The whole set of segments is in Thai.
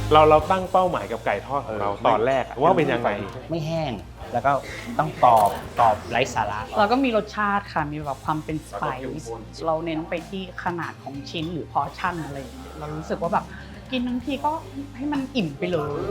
เราตั้งเป้าหมายกับไก่ทอดของเราตอนแรกว่าเป็นยังไงไม่แห้งแล้วก็ต้องกรอบไร้สาระแล้วก็มีรสชาติค่ะมีแบบความเป็นสไปซ์เราเน้นไปที่ขนาดของชิ้นหรือพอร์ชั่นอะไรอย่างเงี้ยเรารู้สึกว่าแบบกินทั้งทีก็ให้มันอิ่มไปเลย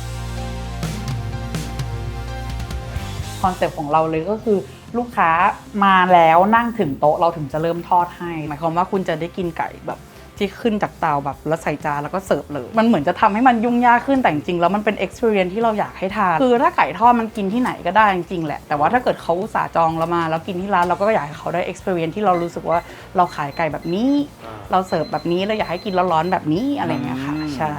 คอนเซ็ปต์ของเราเลยก็คือลูกค้ามาแล้วนั่งถึงโต๊ะเราถึงจะเริ่มทอดให้หมายความว่าคุณจะได้กินไก่แบบที่ขึ้นจากเตาแบบแล้วใส่จานแล้วก็เสิร์ฟเลยมันเหมือนจะทำให้มันยุ่งยากขึ้นแต่จริงๆแล้วมันเป็น experience ที่เราอยากให้ทานคือถ้าไก่ทอดมันกินที่ไหนก็ได้จริงๆแหละแต่ว่าถ้าเกิดเขาอุตส่าห์จองเรามาแล้วกินที่ร้านเราก็อยากให้เขาได้ experience ที่เรารู้สึกว่าเราขายไก่แบบนี้เราเสิร์ฟแบบนี้เราอยากให้กินร้อนๆแบบนี้อะไรอย่างเงี้ยค่ะใช่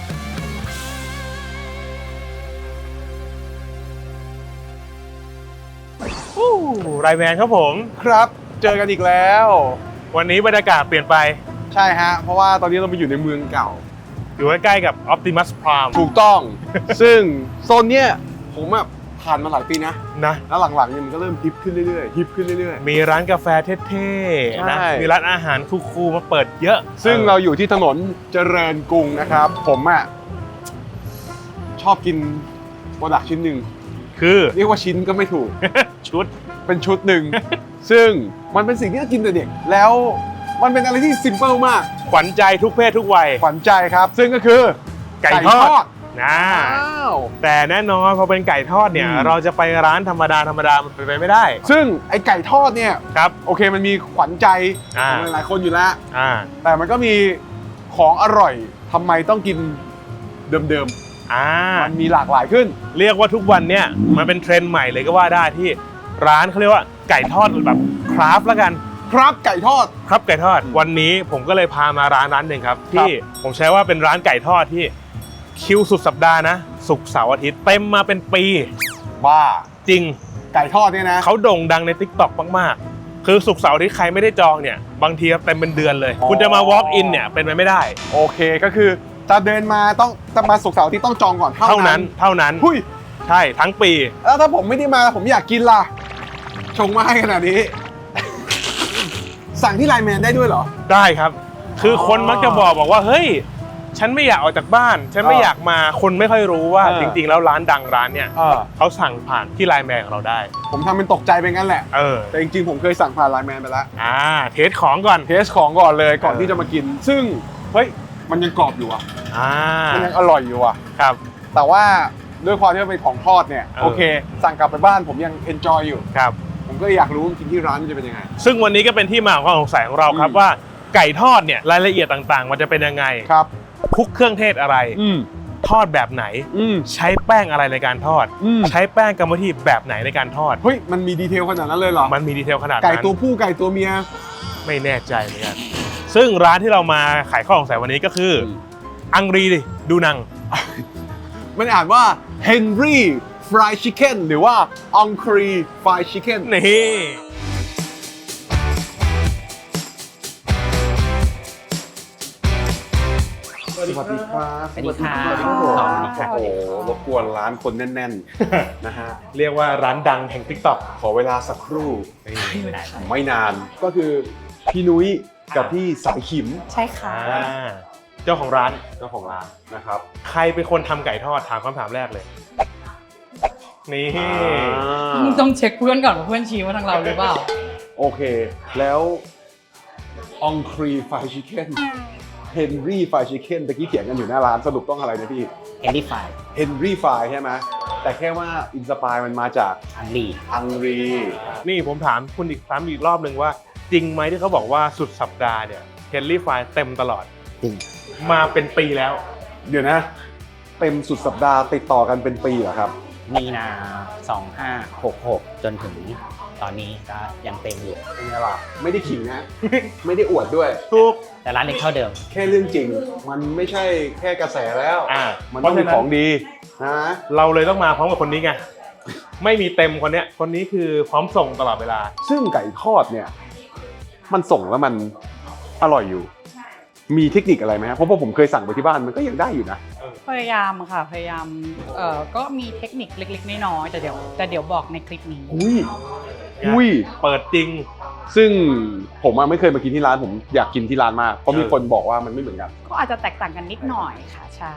ไรแมนครับผมครับเจอกันอีกแล้ววันนี้บรรยากาศเปลี่ยนไปใช่ฮะเพราะว่าตอนนี้เราไปอยู่ในเมืองเก่าอยู่ใกล้ๆกับ Optimus Prime ถูกต้อง ซึ่งโซนเนี้ยผมแบบผ่านมาหลายปีนะแล้วหลังๆเนี่ยมันก็เริ่มฮิปขึ้นเรื่อยๆฮิปขึ้นเรื่อยๆมีร้านกาแฟเท่ๆนะมีร้านอาหารคูลๆมาเปิดเยอะซึ่งเราอยู่ที่ถนนเจริญกรุงนะครับผมอ่ะชอบกินโปรดักต์ชิ้นหนึ่งคือเรียกว่าชิ้นก็ไม่ถูกชุดเป็นชุดหนึ่ง ซึ่งมันเป็นสิ่งที่เรากินแต่เด็กแล้วมันเป็นอะไรที่ซิมเปิลมากขวัญใจทุกเพศทุกวัยขวัญใจครับซึ่งก็คือไก่ทอดนะแต่แน่นอนพอเป็นไก่ทอดเนี่ยเราจะไปร้านธรรมดามันเป็นไปไม่ได้ซึ่งไอไก่ทอดเนี่ยครับโอเคมันมีขวัญใจของหลายคนอยู่แล้วแต่มันก็มีของอร่อยทำไมต้องกินเดิมมันมีหลากหลายขึ้นเรียกว่าทุกวันเนี่ยมันเป็นเทรนด์ใหม่เลยก็ว่าได้ที่ร้านเขาเรียกว่าไก่ทอดแบบคราฟแล้วกันครับไก่ทอดครับไก่ทอดวันนี้ผมก็เลยพามาร้านหนึ่งครับที่ผมใช้ว่าเป็นร้านไก่ทอดที่คิวสุดสัปดาห์นะศุกร์เสาร์อาทิตย์เต็มมาเป็นปีบ้าจริงไก่ทอดเนี่ยนะเขาโด่งดังใน TikTok มากๆคือศุกร์เสาร์อาทิตย์ใครไม่ได้จองเนี่ยบางทีเต็มเป็นเดือนเลยคุณจะมา walk in เนี่ยเป็นไปไม่ได้โอเคก็คือจะเดินมาต้องจะมาศุกร์เสาร์อาทิตย์ต้องจองก่อนเท่านั้นหุ้ยใช่ทั้งปีแล้วถ้าผมไม่ได้มาผมอยากกินล่ะชงมาให้ขนาดนี้สั่งที่ไลน์แมนได้ด้วยเหรอได้ครับคือคนมักจะบอกว่าเฮ้ยฉันไม่อยากออกจากบ้านฉันไม่อยากมาคนไม่ค่อยรู้ว่าจริงๆแล้วร้านดังร้านเนี่ยเขาสั่งผ่านที่ไลน์แมนของเราได้ผมทำเป็นตกใจไปงั้นแหละแต่จริงๆผมเคยสั่งผ่านไลน์แมนไปแล้วเทสของก่อนเลยก่อนที่จะมากินซึ่งเฮ้ยมันยังกรอบอยู่มันยังอร่อยอยู่ครับแต่ว่าด้วยความที่มันเป็นของทอดเนี่ยโอเคสั่งกลับไปบ้านผมยังเอนจอยอยู่ครับผมก็อยากรู้กินที่ร้านจะเป็นยังไงซึ่งวันนี้ก็เป็นที่มาของความสงสัยของเราครับว่าไก่ทอดเนี่ยรายละเอียดต่างๆมันจะเป็นยังไงครับคลุกเครื่องเทศอะไรทอดแบบไหนใช้แป้งอะไรในการทอดใช้แป้งกรรมวิธีแบบไหนในการทอดเฮ้ยมันมีดีเทลขนาดนั้นเลยเหรอมันมีดีเทลขนาดนั้นไก่ตัวผู้ไก่ตัวเมียไม่แน่ใจเหมือนกันซึ่งร้านที่เรามาขายข้อสงสัยวันนี้ก็คืออังรีดูนังมันอ่านว่า Henry Fried Chicken หรือว่า Angry Fried Chicken นี่สวัสดีครับสวัสดีครับโอ้โหรบกวนร้านคนแน่นๆนะฮะเรียกว่าร้านดังแห่ง TikTok ขอเวลาสักครู่ไม่นานก็คือพี่นุ้ยกับพี่สายขิมใช่ค่ะเจ้าของร้านนะครับใครเป็นคนทำไก่ทอดถามคำถามแรกเลยนี่ต้องเช็คเพื่อนก่อนว่าเพื่อนชี้ว่าทางเราหรือเปล่าโอเคแล้ว Angry Fried Chicken Henry Fried Chicken ตะกี้เถียงกันอยู่หน้าร้านสรุปต้องอะไรนะพี่ Henry Fried ใช่ไหมแต่แค่ว่าอินสปายมันมาจากAngry นี่ผมถามคุณอีกรอบหนึ่งว่าจริงไหมที่เขาบอกว่าสุดสัปดาห์เนี่ย Henry Fried เต็มตลอดจริงมาเป็นปีแล้วเดี๋ยวนะเต็มสุดสัปดาห์ติดต่อกันเป็นปีเหรอครับมีนา2566จนถึงตอนนี้ก็ยังเต็มอยู่เป็นไงล่ะไม่ได้ขิงนะไม่ได้อวดด้วยถูกแต่ร้านเล็กเท่าเดิมแค่เรื่องจริงมันไม่ใช่แค่กระแสแล้วมันต้องมีของดีนะเราเลยต้องมาพร้อมกับคนนี้ไงไม่มีเต็มคนนี้คือพร้อมส่งตลอดเวลาซึ่งไก่ทอดเนี่ยมันส่งแล้วมันอร่อยอยู่มีเทคนิคอะไรไหมครับเพราะว่าผมเคยสั่งไปที่บ้านมันก็ยังได้อยู่นะพยายามก็มีเทคนิคเล็กๆน้อยๆแต่เดี๋ยวบอกในคลิปนี้อุ้ยเปิดจริงซึ่งผมไม่เคยมากินที่ร้านผมอยากกินที่ร้านมากเพราะมีคนบอกว่ามันไม่เหมือนกันก็อาจจะแตกต่างกันนิดหน่อยค่ะใช่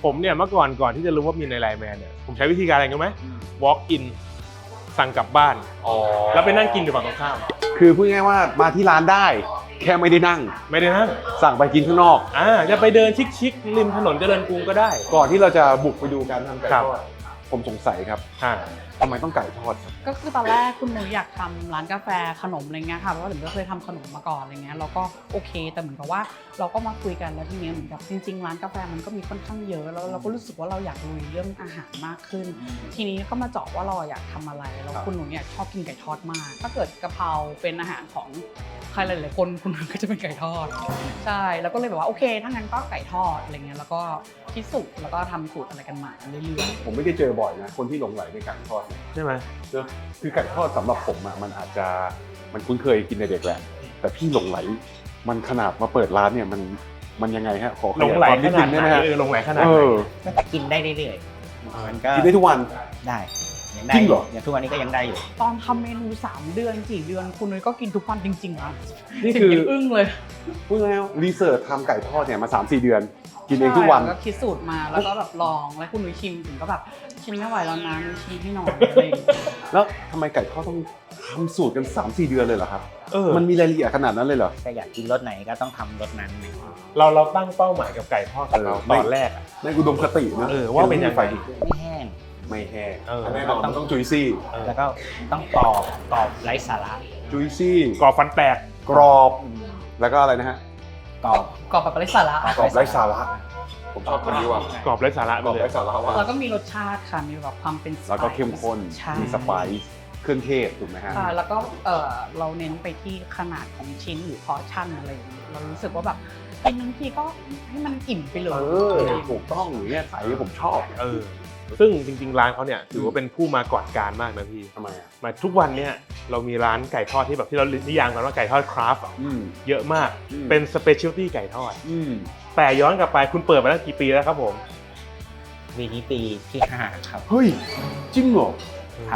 ผมเนี่ยเมื่อก่อนที่จะรู้ว่ามีในไลน์แมนเนี่ยผมใช้วิธีการอะไรรู้ไหม walk in สั่งกลับบ้าน แล้วไปนั่งกินอยู่ฝั่งตรงข้ามคือพูดง่ายๆว่ามาที่ร้านได้ แค่ไม่ได้นั่งไม่ได้นั่งสั่งไปกินข้างนอกจะไปเดินชิคๆริมถนนเจริญกรุงก็ได้ก่อนที่เราจะบุกไปดูการทำไก่ครับทอดผมสงสัยครับอ่าทำไมต้องไก่ทอดครับก็คือตอนแรกคุณหนูอยากทำร้านกาแฟขนมอะไรเงี้ยค่ะเพราะว่าถึงก็เคยทำขนมมาก่อนอะไรเงี้ยเราก็โอเคแต่เหมือนกับว่าเราก็มาคุยกันแล้วทีนี้เหมือนกับจริงๆร้านกาแฟมันก็มีค่อนข้างเยอะแล้วเราก็รู้สึกว่าเราอยากลุยเรื่องอาหารมากขึ้น ทีนี้ก็มาเจาะว่าเราอยากทำอะไรแล้วคุณหนูเนี่ยชอบกินไก่ทอดมากถ้าเกิดกะเพราเป็นอาหารของใครหลายๆคนคุณหนูก็จะเป็นไก่ทอดใช่แล้วก็เลยแบบว่าโอเคถ้างั้นก็ไก่ทอดอะไรเงี้ยแล้วก็คิดสูตรแล้วก็ทำสูตรอะไรกันมาเรื่อยๆผมไม่ได้เจอบ่อยนะคนที่หลงไหลในไก่ทอดใช่ไหมเนอะคือไก่ทอดสำหรับผมอะมันอาจจะมันคุ้นเคยกินในเด็กแหละแต่พี่หลงไหลมันขนาดมาเปิดร้านเนี่ยมันยังไงฮะขอขหลงยายไหลความขนิดนานึดงไหได้นไหมฮะหลงไหลขนาดเอไหนอกินได้เรื่อยๆมันก็กินได้ทุกวันได้ยังได้จริงเหรออย่างทุกวันนี้ก็ยังได้อยู่ตอนทำเมนู3 เดือน4 เดือนคุณนุ้ยก็กินทุกวันจริงๆนะนี่คือถึงยังอึ้งเลยพูดง่ายๆรีเสิร์ชทำไก่ทอดเนี่ยมา 3-4 เดือน กินเองทุกวันใช่แล้วก็คิดสูตรมาแล้วก็แบบลองแล้วคุณนุ้ยชิมถึงก็แบบชิมไม่ไหวแล้วนะนุ้ยชิมให้หน่อยอะไรอย่างเงี้ยแล้วทำไมไก่ทอดต้องทำสูตรกัน 3-4 เดือนเลยเหรอครับเออมันมีรายละเอียดขนาดนั้นเลยเหรอถ้าอยากกินรสไหนก็ต้องทำรสนั้นเราตั้งเป้าหมายกับไก่ทอดของเราเออตอนแรกอะในอุดมคตินะว่าเป็นยังไงไม่แห้งไม่แห้งเออแน่นอนต้องจุยซี่แล้วก็ต้องกรอบไร้สาระจุยซี่กรอบฟันแตกกรอบ แล้วก็อะไรนะฮะกรอบกรอบแบบไร้สาระกรอบไร้สาระผมชอบคำนี้ว่ะกรอบไร้สาระกไปรอบเลยไร้สาระว่ะแล้วก็มีรสชาติค่ะมีแบบความเป็นสไปซ์แล้วก็เข้มข้นใช่มีสไปซ์เครื่องเทศถูกไหมฮะค่ะแล้วก็เราเน้นไปที่ขนาดของชิ้นหรือพอร์ชั่นอะไรอย่างเงี้ยเรารู้สึกว่าแบบกินบางทีก็ให้มันอิ่มไปเลยถูกต้องอย่างเงี้ยใส่ผมชอบซึ่งจริงๆร้านเขาเนี่ยถือว่าเป็นผู้มาก่อนการมากนะพี่ทำไมอ่ะมาทุกวันเนี่ยเรามีร้านไก่ทอดที่แบบที่เรานิยามกันว่าไก่ทอดคราฟต์อะอืมเยอะมากอืมเป็นสเปเชียลตี้ไก่ทอดอืมแต่ย้อนกลับไปคุณเปิดมาตั้งกี่ปีแล้วครับผมวีนี้ปีที่ 5 ครับเฮ้ยจริงเหรอครับ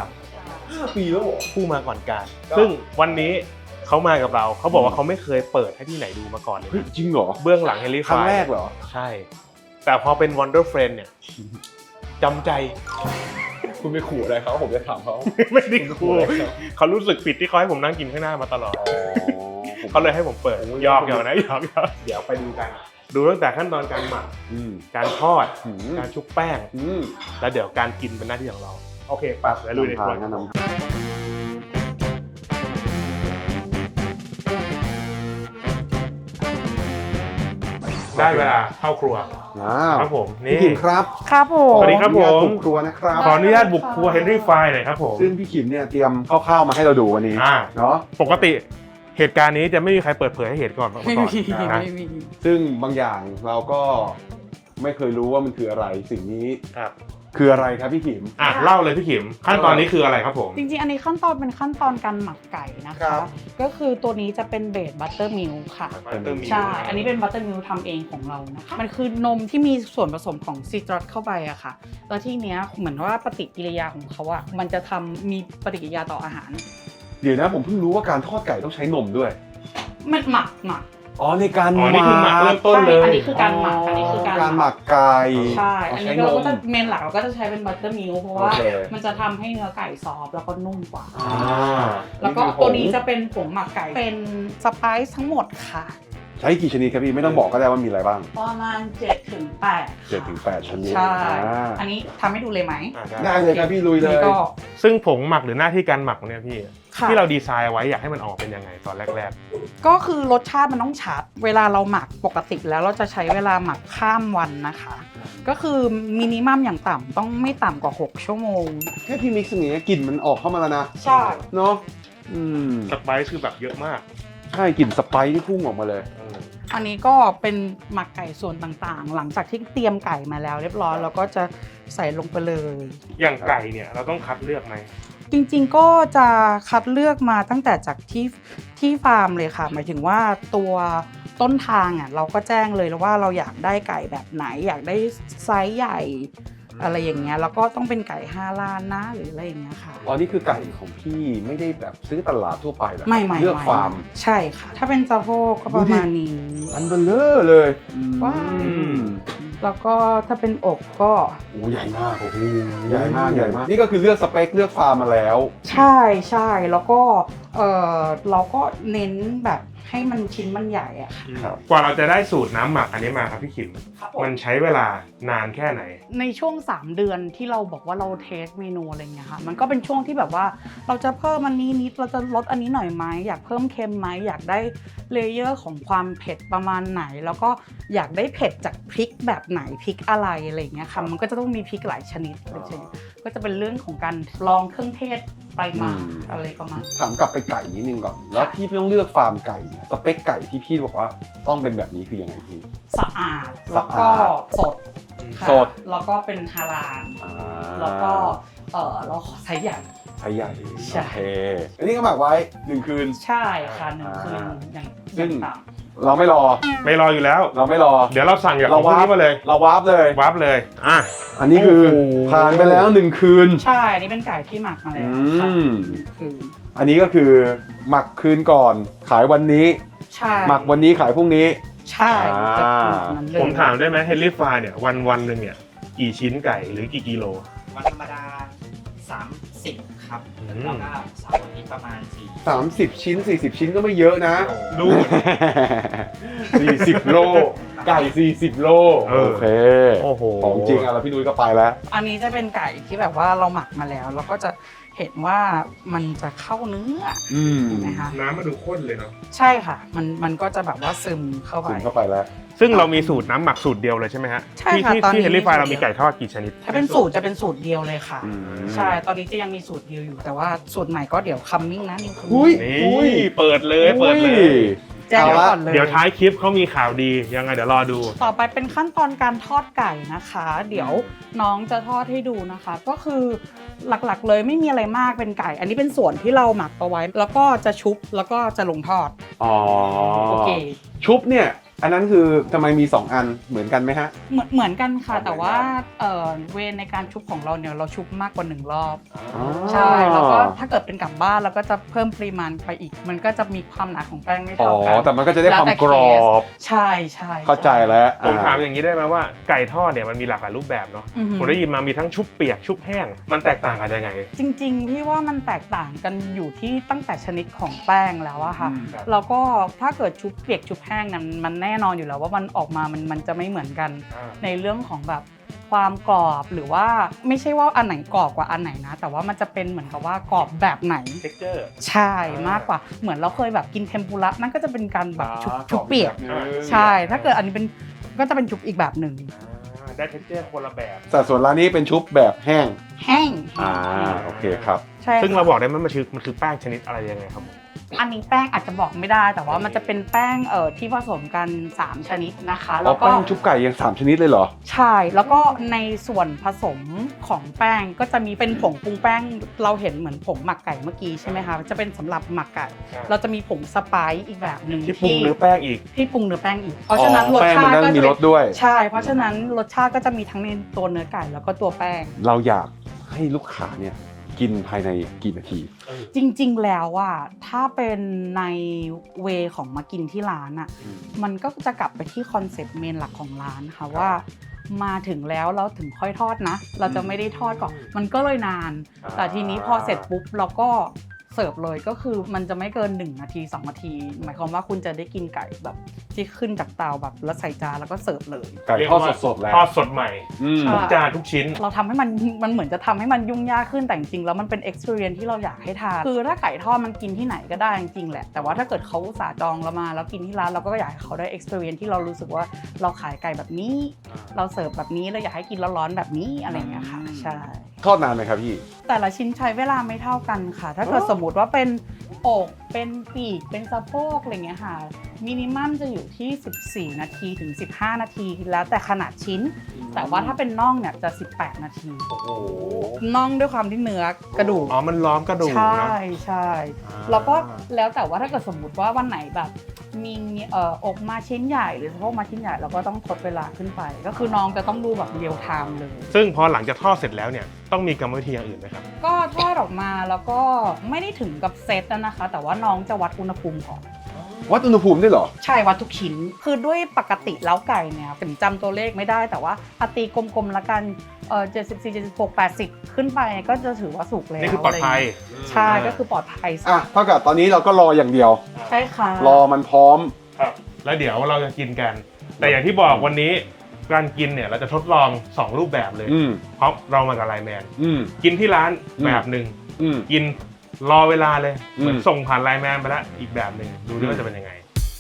5 ปีแล้วเหรอผู้มาก่อนการก็ซึ่งวันนี้เขามากับเราเขาบอกว่าเขาไม่เคยเปิดให้ที่ไหนดูมาก่อนเลยเฮ้ยจริงเหรอเบื้องหลังเฮลิครั้งแรกเหรอใช่ แต่พอเป็น Wonder Friend เนี่ยจำใจคุณไปขู่อะไรเขาผมจะถามเขาไม่ได้ครูเขารู้สึกผิดที่เขาให้ผมนั่งกินข้างหน้ามาตลอด เขาเลยให้ผมเปิดหยอกนะหยอกเดี๋ยวไปดูกัน ดูตั้งแต่ขั้นตอนการหมักอืมการทอดอืมการชุบแป้งอืมแล้วเดี๋ยวการกินเป็นหน้าที่ของเรา โอเคปั๊บแล้วลุยในครัวนำทางได้เวลาเข้าครัวอ้าวครับผมพี่นี่ขิมครับครับผมสวัสดีครับผมขออนุญาตบุกครัวนะครับขออนุญาตบุกครัวเฮนรี่ไฟหน่อยครับผมซึ่งพี่ขิมเนี่ยเตรียมข้าวๆมาให้เราดูวันนี้ เนาะปกติเหตุการณ์นี้จะไม่มีใครเปิดเผยให้เห็นก่อนมาไม่ก่อนมีนะไม่มีซึ่งบางอย่างเราก็ไม่เคยรู้ว่ามันคืออะไรสิ่งนี้ครับคืออะไรครับพี่ขิมเล่าเลยพี่ขิมขั้นตอนนี้คืออะไรครับผมจริงๆ อันนี้ขั้นตอนเป็นขั้นตอนการหมักไก่นะครัคะบก็คือตัวนี้จะเป็นเบสบัตเตอร์มิลค่ะ Buttermilk ใช่ อันนี้เป็นบัตเตอร์มิลทำเองของเรานะคะ มันคือนมที่มีส่วนผสมของซิตรัสเข้าไปอะค่ะ แล้วที่เนี้ยเหมือนว่าปฏิกิริยาของเขาอะมันจะมีปฏิกิริยาต่ออาหารเดี๋ยวนะผมเพิ่งรู้ว่าการทอดไก่ต้องใช้นมด้วยมันหมักอ๋อในการอ๋อนี่คือหมักเริ่มต้นเลยใช่อันนี้คือการหมัก อันนี้คือการการหมักไก่ใช่ อันนี้เราก็จะเมนหลักเราก็จะใช้เป็นบัตเตอร์มิลเพราะว่าโอเคมันจะทำให้เนื้อไก่ซอฟต์แล้วก็นุ่มกว่าอ่าแล้วก็คือผงตัวนี้จะเป็นผงหมักไก่ เป็นสไปซ์ทั้งหมดค่ะใช้กี่ชนิดครับพี่ไม่ต้องบอกก็ได้ว่ามีอะไรบ้างประมาณ7 ถึง 8 7-8 ชนิดใช่อ่าอันนี้ทำให้ดูเลยไหมได้เลยครับพี่ลุยเลยนี่ก็ซึ่งผงหมักหรือหน้าที่การหมักเนี่ยพี่ค่ะที่เราดีไซน์ไว้อยากให้มันออกเป็นยังไงตอนแรกก็คือรสชาติมันต้องชัด เวลาเราหมักปกติแล้วเราจะใช้เวลาหมักข้ามวันนะคะ ก็คือมินิมัมอย่างต่ำต้องไม่ต่ำกว่า 6 ชั่วโมงแค่พี่มิกซ์อย่างเงี้ยกลิ่นมันออกเข้ามาแล้วนะใช่เนาะอืมๆสไปซ์คือแบบเยอะมากใช่กลิ่นสไปซ์ที่พุ่งออกมาเลยอันนี้ก็เป็นหมักไก่ส่วนต่างๆ หลังจากที่เตรียมไก่มาแล้วเรียบร้อยเราก็จะใส่ลงไปเลยอย่างไก่เนี่ยเราต้องคัดเลือกไหมจริงๆก็จะคัดเลือกมาตั้งแต่จากที่ฟาร์มเลยค่ะ หมายถึงว่าตัวต้นทางอ่ะเราก็แจ้งเลยว่าเราอยากได้ไก่แบบไหน อยากได้ไซส์ใหญ่อะไรอย่างเงี้ยแล้วก็ต้องเป็นไก่5 ล้านนะหรืออะไรอย่างเงี้ยค่ะอ๋อนี่คือไก่ของพี่ไม่ได้แบบซื้อตลาดทั่วไปเหรอไม่เลือกฟาร์มใช่ค่ะ ถ้าเป็นสะโพกก็ประมาณนี้อันเบลเลอร์เลยว้าวอืมแล้วก็ถ้าเป็นอกก็โอ้ใหญ่มากโอ้โหใหญ่มากนี่ก็คือเลือกสเปคเลือกฟาร์มมาแล้วใช่ใช่แล้วก็เราก็เน้นแบบให้มันชิ้นมันใหญ่อะค่ะครับกว่าเราจะได้สูตรน้ำหมักอันนี้มาครับพี่ขิมครับมันใช้เวลานานแค่ไหนในช่วง3เดือนที่เราบอกว่าเราเทสเมนูอะไรเงี้ยค่ะมันก็เป็นช่วงที่แบบว่าเราจะเพิ่มอันนี้นิดเราจะลดอันนี้หน่อยไหมอยากเพิ่มเค็มไหมอยากได้เลเยอร์ของความเผ็ดประมาณไหน แล้วก็อยากได้เผ็ดจากพริกแบบไหนพริกอะไรอะไรเงี้ยค่ะมันก็จะต้องมีพริกหลายชนิดก็จะเป็นเรื่องของการลองเครื่องเทศไปมาอะไรประมาณถามกลับไปไก่นิดนึงก่อนแล้วพี่ต้องเลือกฟาร์มไก่เนี่ยสเปคไก่ที่พี่บอกว่าต้องเป็นแบบนี้คือยังไงพี่สะอาดแล้วก็สดค่ะสดแล้วก็เป็นฮาลาลแล้วก็เราขอไซส์ใหญ่ไซส์ใหญ่ใช่โอเคอันนี้ก็หมักไว้1 คืนใช่ค่ะ1 คืนอย่างซึ่งต่ำเราไม่รอไม่รออยู่แล้วเราไม่รอเดี๋ยวเราสั่งจากขเราองพวกวาร์ปนี้มาเลยเราวาร์ปเลยวาร์ปเลยอันนี้คือโอ้โหผ่านไปแล้ว1 คืนใช่นี่เป็นไก่ที่หมักมาแล้วค่ะ คืออันนี้ก็คือหมักคืนก่อนขายวันนี้ใช่หมักวันนี้ขายพรุ่งนี้ใช่จะเป็นแบบนั้นเลยผมถามได้ไหมเฮนรี่ฟายเนี่ยวันหนึ่งเนี่ยกี่ชิ้นไก่หรือกี่กิโลวันธรรมดา 30 ครับ แล้วก็เสาร์อาทิตย์ประมาณ 30 ชิ้น 40 ชิ้นก็ไม่เยอะนะดู 40 โล ไก่ 40 โลเออโอเคโอ้โหของจริงอ่ะแล้วพี่นุ้ยก็ไปแล้วอันนี้จะเป็นไก่ที่แบบว่าเราหมักมาแล้วเราก็จะเห็นว่ามันจะเข้าเนื้อ นะคะน้ำมันดูข้นเลยเนาะใช่ค่ะมันก็จะแบบว่าซึมเข้าไปถึงเข้าไปแล้วซึ่งเรามีสูตรน้ำหมักสูตรเดียวเลยใช่ไหมฮะใช่ค่ะที่ตอนนี้ที่เฮนรี่ฟายเรามีไก่ทอดกี่ชนิดถ้าเป็นสูตรจะเป็นสูตรเดียวเลยค่ะอืมใช่ ตอนนี้จะยังมีสูตรเดียวอยู่ แต่ว่าสูตรใหม่ก็เดี๋ยวคัมมิ่งนะนี่คืออุ้ยนี่เปิดเลยเปิดเลยแจ้งเอาไว้ละก่อนเลยเดี๋ยวท้ายคลิปเขามีข่าวดียังไงเดี๋ยวรอดูต่อไปเป็นขั้นตอนการทอดไก่นะคะ เดี๋ยวน้องจะทอดให้ดูนะคะ ก็คือหลักๆเลยไม่มีอะไรมากเป็นไก่ อันนี้เป็นส่วนที่เราหมักเอาไว้ แล้วก็จะชุบแล้วก็จะลงทอดอ๋อโอเคชุบเนี่ย อันนั้นคือทำไมมี 2 อันเหมือนกันไหมฮะเหมือนกันค่ะเหมือนกันแต่ว่าเวรในการชุบของเราเนี่ยเราชุบมากกว่า1 รอบอ๋อใช่ แล้วก็ถ้าเกิดเป็นกลับบ้านเราก็จะเพิ่มปริมาณไปอีก มันก็จะมีความหนาของแป้งไม่อ๋อเท่ากันแต่มันก็จะได้ความกรอบใช่ใช่เข้าใจแล้วผมถามอย่างนี้ได้ไหมว่าไก่ทอดเนี่ยมันมีหลากหลายรูปแบบเนาะอือหือผมได้ยินมามีทั้งชุบเปียกชุบแห้งมันแตกต่างกันยังไงจริงๆพี่ว่ามันแตกต่างกันอยู่ที่ตั้งแต่ชนิดของแป้งแล้วอะค่ะครับแล้วก็ถ้าเกิดชุบเปียกชุบแห้งนั้นมันแน่นอนอยู่แล้วว่ามันออกมามันจะไม่เหมือนกันในเรื่องของแบบความกรอบหรือว่าไม่ใช่ว่าอันไหนกรอบกว่าอันไหนนะ แต่ว่ามันจะเป็นเหมือนกับว่ากรอบแบบไหน texture ใช่มากกว่าเหมือนเราเคยแบบกินเทมปุระนั่นก็จะเป็นการแบบชุบเปียกอ่าใช่ ถ้าเกิดอันนี้เป็นก็จะเป็นชุบอีกแบบหนึ่งได้ texture คนละแบบแต่ส่วนร้านนี้เป็นชุบแบบแห้งแห้งโอเคครับใช่ซึ่งเราค่ะบอกได้ไหมมันคือแป้งชนิดอะไรยังไงครับผมอันนี้แป้งอาจจะบอกไม่ได้ แต่ว่ามันจะเป็นแป้งที่ผสมกัน 3 ชนิดนะคะอ๋แล้อวก็แป้งชุบไก่ยัง3 ชนิดเลยเหรอใช่ แล้วก็ในส่วนผสมของแป้งก็จะมีเป็นผงปรุงแป้งเราเห็นเหมือนผงหมักไก่เมื่อกี้ใช่ไหมคะจะเป็นสำหรับหมักไก่ เราจะมีผงสไปซ์อีกแบบหนึ่งที่ปรุงเนื้อแป้งอีกที่ปรุงเนื้อแป้งอีก เพราะฉะนั้นรสแป้งชามันตินั่นก็มีจะรสด้วยใช่ เพราะฉะนั้นรสชาติก็จะมีทั้งในตัวเนื้อไก่แล้วก็ตัวแป้งเราอยากให้ลูกค้าเนี่ยกินภายในกี่นาทีจริงๆ แล้วอ่ะถ้าเป็นในเวของมากินที่ร้านอ่ะมันก็จะกลับไปที่คอนเซปต์เมนหลักของร้านค่ะว่ามาถึงแล้วเราถึงค่อยทอดนะ เราจะไม่ได้ทอดก่อนมันก็เลยนาน แต่ทีนี้พอเสร็จปุ๊บเราก็เสิร์ฟเลยก็คือมันจะไม่เกิน1 นาที 2 นาที หมายความว่าคุณจะได้กินไก่แบบที่ขึ้นจากเตาแบบแล้วใส่จานแล้วก็เสิร์ฟเลยไก่ทอดสดๆแล้วทอดสดใหม่อืมใช่ทุกจานทุกชิ้นเราทำให้มันเหมือนจะทำให้มันยุ่งยากขึ้นแต่จริงๆแล้วมันเป็น experience ที่เราอยากให้ทานคือถ้าไก่ทอดมันกินที่ไหนก็ได้จริงๆแหละแต่ว่าถ้าเกิดเขาอุตส่าห์จองเรามาแล้วกินที่ร้านเราก็อยากให้เขาได้ experience ที่เรารู้สึกว่าเราขายไก่แบบนี้ เราเสิร์ฟแบบนี้เราอยากให้กินร้อนๆแบบนี้อะไรอย่างเงี้ยค่ะใช่ทอดนานไหมครับพี่แต่ละชิ้นใช้เวลาไม่เท่ากันค่ะ ถ้าเกิดสมมติว่าเป็นอกเป็นปีกเป็นสะโพกอะไรเงี้ยค่ะมินิมัมจะอยู่ที่ 14 นาทีถึง 15 นาทีแล้วแต่ขนาดชิ้น แต่ว่าถ้าเป็นน่องเนี่ยจะ 18 นาทีโอ้โหน่องด้วยความที่เนื้อกระดูกอ๋อมันล้อมกระดูกใช่นะใช่อ่าแล้วก็แล้วแต่ว่าถ้าเกิดสมมุติว่าวันไหนแบบมีอกมาชิ้นใหญ่หรือสะโพกมาชิ้นใหญ่เราก็ต้องทดเวลาขึ้นไป ก็คือน้องจะต้องดูแบบเรียลไทม์เลยซึ่งพอหลังจากทอดเสร็จแล้วเนี่ยต้องมีกรรมวิธีอย่างอื่นไหมครับก็ทอดออกมาแล้วก็ไม่ได้ถึงกับเซตนะคะ แต่ว่าน้องจะวัดอุณหภูมิก่อนวัดอุณหภูมิได้เหรอใช่วัดทุกชิ้น คือด้วยปกติแล้วไก่เนี่ยถึงจำตัวเลขไม่ได้แต่ว่าตีกลมๆละกัน74 76 80 ขึ้นไปก็จะถือว่าสุกแล้วนี่คือปลอดภัยใช่ก็คือปลอดภัยอ่ะเท่ากับตอนนี้เราก็รออย่างเดียวใช่ค่ะรอมันพร้อมครับแล้วเดี๋ยวเราจะกินกัน แต่อย่างที่บอกวันนี้การกินเนี่ยเราจะทดลอง2รูปแบบเลย เพราะเรามากับไลน์แมนกินที่ร้านแบบหนึ่งกินรอเวลาเลยเหมือนส่งผ่านไลน์แมนไปแล้วอีกแบบหนึ่งดูด้วยว่าจะเป็นยังไง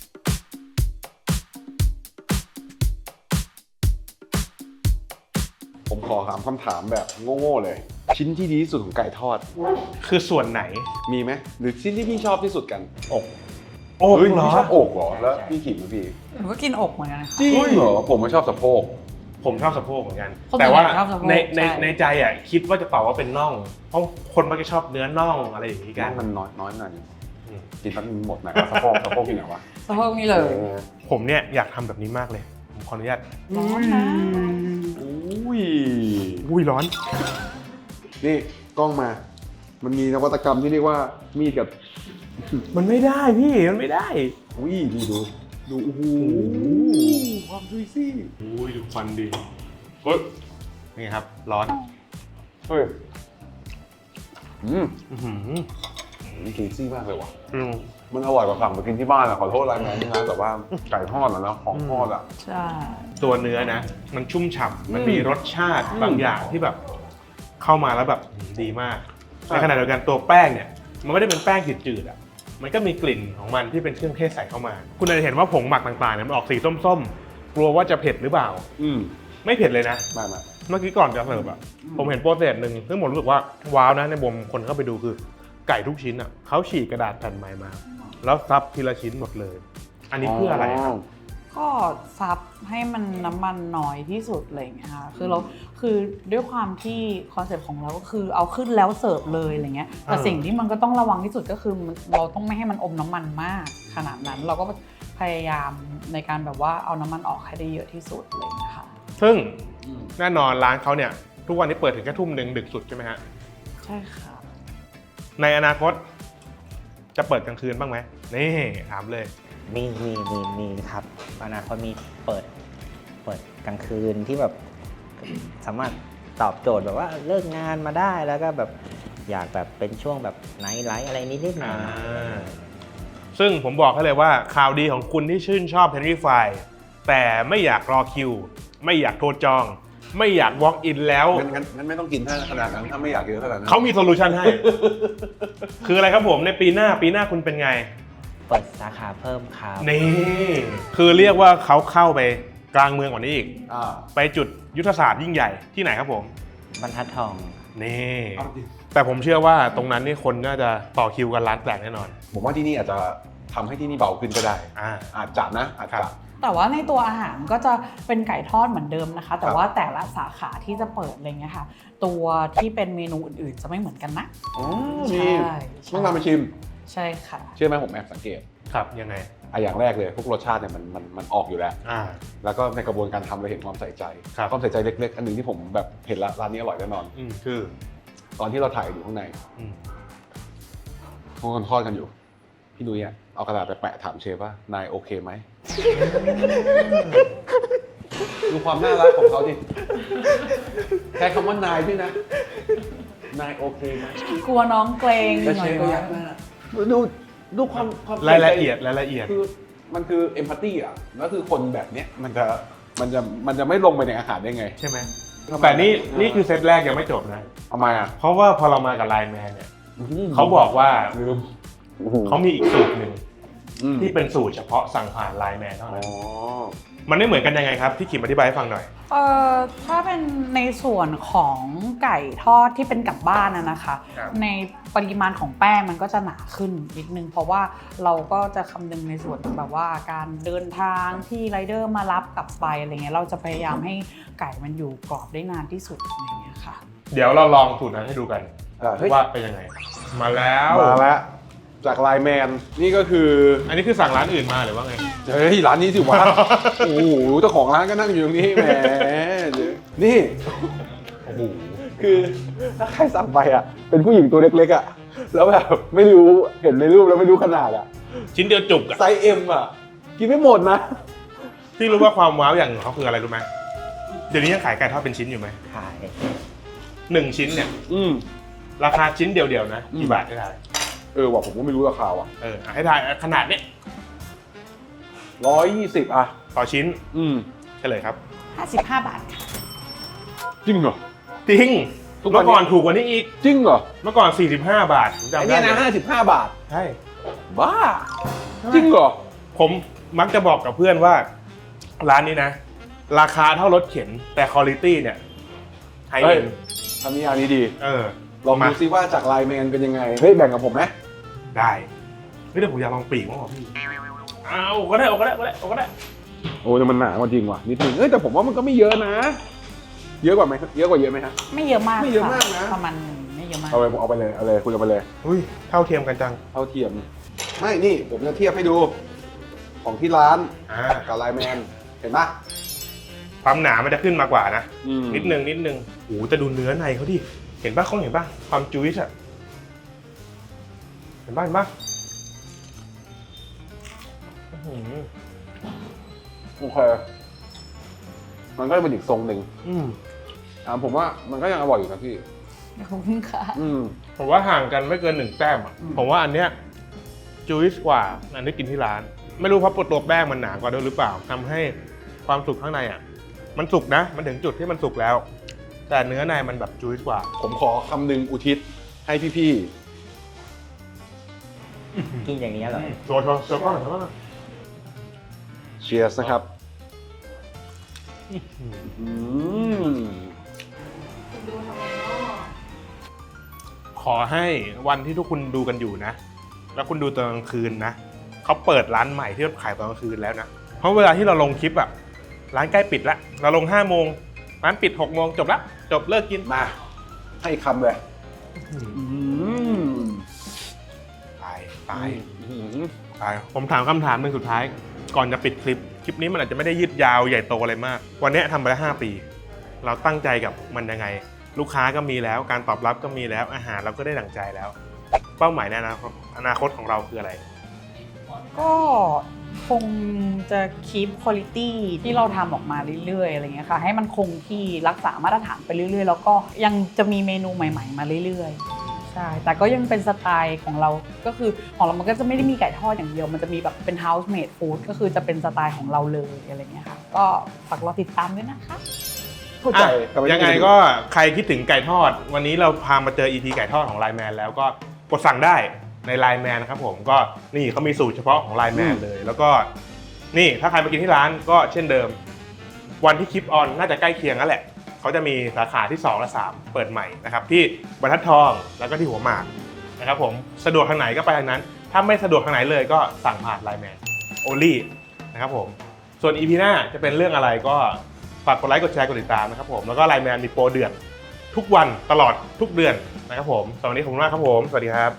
ผมขอถามคำถามแบบโง่ๆเลย ชิ้นที่ดีที่สุดของไก่ทอดคือส่วนไหนมีไหมหรือชิ้นที่พี่ชอบที่สุดกันอกเฮ้ยเหรอพี่ชอบอกเหรอแล้วพี่ขิมพี่หนูก็กินอกเหมือนกันนะคะจริงเหรอผมไม่ชอบสะโพกผมชอบสะโพกเหมือนกันคนแต่ว่าชอบสะโพกในใช่ในใจอ่ะคิดว่าจะตอบว่าเป็นน่อง เพราะคนมักจะชอบเนื้อน่องอะไรอย่างนี้กันมันน้อยหน่อยอืมกินแป๊บนึงหมดไหนวะสะโพกที่ไหนวะสะโพกนี่เลยผมเนี่ยอยากทำแบบนี้มากเลยผมขออนุญาตร้อนนะอุ้ยอุ้ยร้อนนี่กล้องมา มันมีนวัตกรรมที่เรียกว่ามีดกับมันไม่ได้พี่มันไม่ได้อุ้ยดูโอ้โหความจุยซี่อุ้ยดูฟันดีเฮ้ยนี่ครับร้อนเฮ้ยอื้อหือนี่จุยซี่มากเลยว่ะอืมมันอร่อยกว่าสั่งไปกินที่บ้านอะขอโทษไลน์แมนที่ร้านแต่ว่าไก่ทอดอะนะของทอดอะใช่ตัวเนื้อนะ มันชุ่มฉ่ำมันมีรสชาติบางอย่างที่แบบ เข้ามาแล้วแบบดีมากใช่ในขณะเดียวกันตัวแป้งเนี่ย มันไม่ได้เป็นแป้งจืดๆอ่ะมันก็มีกลิ่นของมันที่เป็นเครื่องเทศใส่เข้ามา คุณอาจจะเห็นว่าผงหมักต่างๆเนี่ยมันออกสีส้มๆกลัวว่าจะเผ็ดหรือเปล่า ไม่เผ็ดเลยนะมาเมื่อกี้ก่อนจะเสิร์ฟอ่ะผมเห็นโปรเซสหนึ่งซึ่งผมรู้สึกว่าว้าวนะในมุมคนเข้าไปดูคือไก่ทุกชิ้นอ่ะเขาฉีกกระดาษแผ่นใหม่มา แล้วซับทีละชิ้นหมดเลย อันนี้เพื่ออะไรครับก็ซับให้มันน้ำมันน้อยที่สุดอะไรอย่างเงี้ยค่ะคือด้วยความที่คอนเซ็ปต์ของเราก็คือเอาขึ้นแล้วเสิร์ฟเลยอะไรเงี้ยแต่สิ่งที่มันก็ต้องระวังที่สุดก็คือเราต้องไม่ให้มันอมน้ำมันมากขนาดนั้นเราก็พยายามในการแบบว่าเอาน้ำมันออกให้ได้เยอะที่สุดอะไรอย่างเงี้ยค่ะซึ่งแน่นอนร้านเขาเนี่ยทุกวันนี้เปิดถึงแค่ทุ่มหนึ่งดึกสุดใช่ไหมฮะใช่ค่ะในอนาคต จะเปิดกลางคืนบ้างไหมนี่ถามเลยมีครับอนาคตมีเปิดกลางคืนที่แบบสามารถตอบโจทย์แบบว่าเลิกงานมาได้แล้วก็แบบอยากแบบเป็นช่วงแบบไนท์ไลฟ์อะไรนิดๆหน่อยซึ่งผมบอกให้เลยว่าข่าวดีของคุณที่ชื่นชอบ Henry Fry แต่ไม่อยากรอคิว ไม่อยากโทรจอง ไม่อยาก walk in แล้วงั้นไม่ต้องกินขนาดนั้นถ้าไม่อยากกินขนาดนั้นเขามีโซลูชันให้ คืออะไรครับผมในปีหน้าคุณเป็นไงเปิดสาขาเพิ่มครับนี่ คือเรียกว่าเขาเข้าไปกลางเมืองกว่านี้อีก ไปจุดยุทธศาสตร์ยิ่งใหญ่ที่ไหนครับผมบรรทัดทองนี่ แต่ผมเชื่อว่าตรงนั้นนี่คนน่าจะต่อคิวกันร้านแตกแน่นอนผมว่าที่นี่อาจจะทำให้ที่นี่เบาขึ้นก็ได้ อาจจะนะอาจครัจะบแต่ว่าในตัวอาหารก็จะเป็นไก่ทอดเหมือนเดิมนะคะ แต่ว่าแต่ละสาขาที่จะเปิดอะไรเงี้ยค่ะ ตัวที่เป็นเมนูอื่นๆจะไม่เหมือนกันนะใช่ต้องนำไปชิมใช่ค่ะเชื่อไหมผมแอบสังเกตครับยังไงอย่างแรกเลยพวกรสชาติเนี่ยมันออกอยู่แล้ว แล้วก็ในกระบวนการทำเราเห็นความใส่ใจครับความใส่ใจเล็กๆ อันหนึ่งที่ผมแบบเห็นละร้านนี้อร่อยแน่นอนคือตอนที่เราถ่ายอยู่ข้างในพวกคนทอดกันอยู่ พี่นุ้ยอะเอากระดาษไปแปะถามเชฟว่านายโอเคไหม ดูความน่ารักของเขาดิแค่คำว่านายด้วยนะ นายโอเคไหมกลัวน้องเกรงแล้วหน่เชอยฟก็ยักหน้าดูความรายละเอียดคือมันคือเอมพัตตี้อ่ะแล้วคือคนแบบเนี้ยมันจะไม่ลงไปในอาหารได้ไงใช่ไหมแต่นี่คือเซตแรกยังไม่จบนะทำไมอ่ะเพราะว่าพอเรามากับไลน์แมนเนี่ยเขาบอกว่าลืมเขามีอีกสูตรหนึ่งที่เป็นสูตรเฉพาะสั่งผ่านไลน์แมนเท่านั้นมันไม่เหมือนกันยังไงครับพี่ขิมอธิบายให้ฟังหน่อยถ้าเป็นในส่วนของไก่ทอดที่เป็นกลับบ้านนะคะครับในปริมาณของแป้งมันก็จะหนาขึ้นนิดนึงเพราะว่าเราก็จะคำนึงในส่วนแบบว่าการเดินทางที่ไรเดอร์มารับกลับไปอะไรเงี้ยเราจะพยายามให้ไก่มันอยู่กรอบได้นานที่สุดอะไรเงี้ยค่ะเดี๋ยวเราลองสูตรนั้นให้ดูกันเฮ้ยว่าเป็นยังไง มาแล้วมาแล้วจากไลน์แมนนี่ก็คืออันนี้คือสั่งร้านอื่นมาหรือว่าไงเฮ้ยร้านนี้สิวะ โอ้โหเจ้าของร้านก็นั่งอยู่ตรงนี้แหมนี่โอ้โหคือถ้าใครสั่งไปอ่ะเป็นผู้หญิงตัวเล็กๆอ่ะแล้วแบบไม่รู้เห็นในรูปแล้วไม่รู้ขนาดอ่ะชิ้นเดียวจุกอะไซส์ M อ่ะ กินไม่หมดนะพี่รู้ว่าความว้าวอย่างของเขาคืออะไรรู้ไหมเดี๋ยวนี้ยังขายไก่ทอดเป็นชิ้นอยู่ไหมขาย 1 ชิ้นเนี่ยอืมราคาชิ้นเดียวๆนะกี่บาทให้ทายว่ะผมก็ไม่รู้ราคาว่ะให้ทายขนาดเนี้ย 120อ่ะต่อชิ้นอืมเฉลยครับ 55 บาทค่ะจริงเหรอจริงทุกวันนี้เมื่อก่อนถูกกว่านี้อีกจริงเหรอเมื่อก่อน45 บาทผมจำไอ้ได้เนี่ยนะเลย 55 บาทใช่บ้า จริงเหรอผมมักจะบอกกับเพื่อนว่า ร้านนี้นะ ราคาเท่ารถเข็นแต่คุณภาพเนี่ยไฮเฮ้เอ็ยนทำนิยามนี้ดี ลองมาดูซิว่าจากไลน์แมนเป็นยังไง เฮ้ย แบ่งกับผมไหมได้เฮ้ยเดี๋ยวผมอยากลองปีกมั้งพี่เอาก็ได้ก็ได้ก็ได้ก็ได้โอ้แต่มันหนาจริงว่ะนิดนึงแต่ผมว่ามันก็ไม่เยอะนะ เยอะกว่าไหมเยอะกว่าเยอะไหมฮะไม่เยอะมากไม่เยอะมากนะประมาณไม่เยอะมากเอาไปเลยคุยกันไปเลยอุ้ยเท่าเทียมกันจังเท่าเทียม ไม่นี่ผมจะเทียบให้ดู ของที่ร้าน กับไลน์แมน เห็นปะความหนามันจะขึ้นมากว่านะอืมนิดนึงโอ้โหแต่ดูเนื้อในเขาดิ เห็นป่ะเขาเห็นป่ะ ความจุ๊ยส์อะเห็นป่ะอื้อหือโอเค มันก็เป็นอีกทรงหนึ่ง ผมว่ามันก็ยังอร่อยอยู่นะพี่ขอบคุณค่ะผมว่าห่างกันไม่เกิน1 แต้มอะผมว่าอันเนี้ยจุ๊ยส์กว่าอันที่กินที่ร้าน ไม่รู้เพราะตัวแป้งมันหนากว่าด้วยหรือเปล่าทำให้ความสุกข้างในอะมันสุกนะ มันถึงจุดที่มันสุกแล้ว แต่เนื้อในมันแบบจุ๊ยส์กว่าผมขอคำหนึ่งอุทิศให้พี่กินอย่างนี้อร่อยโชว์ก็หน่อยว่าๆ เชียร์นะครับอืมขอให้วันที่ทุกคุณดูกันอยู่นะ แล้วคุณดูตอนกลางคืนนะเขาเปิดร้านใหม่ที่ขายตอนกลางคืนแล้วนะ เพราะเวลาที่เราลงคลิปอะร้านใกล้ปิดละเราลง5 โมงร้านปิด6 โมงจบละจบเลิกกินมาให้คำเลยมตายผมถามคำถามหนึ่งสุดท้าย ก่อนจะปิดคลิปนี้มันอาจจะไม่ได้ยืดยาวใหญ่โตอะไรมาก วันนี้ทำไปแล้ว5 ปี เราตั้งใจกับมันยังไง ลูกค้าก็มีแล้วการตอบรับก็มีแล้วอาหารเราก็ได้ดั่งใจแล้ว เป้าหมายในอนาคตของเราคืออะไรก็คงจะคีปคุณภาพที่เราทำออกมาเรื่อยๆอะไรเงี้ยค่ะให้มันคงที่รักษามาตรฐานไปเรื่อยๆแล้วก็ยังจะมีเมนูใหม่ๆมาเรื่อยๆใช่แต่ก็ยังเป็นสไตล์ของเราก็คือของเรามันก็จะไม่ได้มีไก่ทอดอย่างเดียวมันจะมีแบบเป็น house made food ก็คือจะเป็นสไตล์ของเราเลยอะไรเงี้ยค่ะก็ฝากรอติดตามด้วยนะคะเข้าใจยังไงก็ใครคิดถึงไก่ทอด วันนี้เราพามาเจอ EP ไก่ทอดของไลน์แมนแล้วก็กดสั่งได้ในไลน์แมนนะครับผมก็นี่เขามีสูตรเฉพาะของไลน์แมนเลย แล้วก็นี่ถ้าใครมากินที่ร้านก็เช่นเดิม วันที่คลิปออนน่าจะใกล้เคียงนั่นแหละเขาจะมีสาขาที่2และ3เปิดใหม่นะครับที่บรรทัดทองแล้วก็ที่หัวหมากนะครับผมสะดวกทางไหนก็ไปทางนั้น ถ้าไม่สะดวกทางไหนเลยก็สั่งผ่านไลน์แมนโอลี่นะครับผมส่วน EP หน้าจะเป็นเรื่องอะไรก็ฝากกดไลค์กดแชร์กดติดตามนะครับผมแล้วก็ไลน์แมนมีโปรเดือนทุกวันตลอดทุกเดือนนะครับผมสวัสดีผมมากครับผมสวัสดีครับ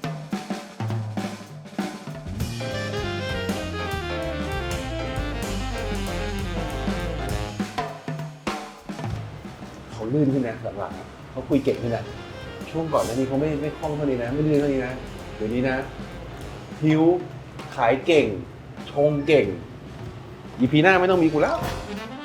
เขาลื่นขึ้นนะหลังๆเขาคุยเก่งขึ้นนะช่วงก่อนหน้านี้เขาไม่คล่องเท่านี้นะไม่ลื่นเท่านี้นะเดี๋ยวนี้นะหิวขายเก่งชงเก่ง EP หน้าไม่ต้องมีกูแล้วค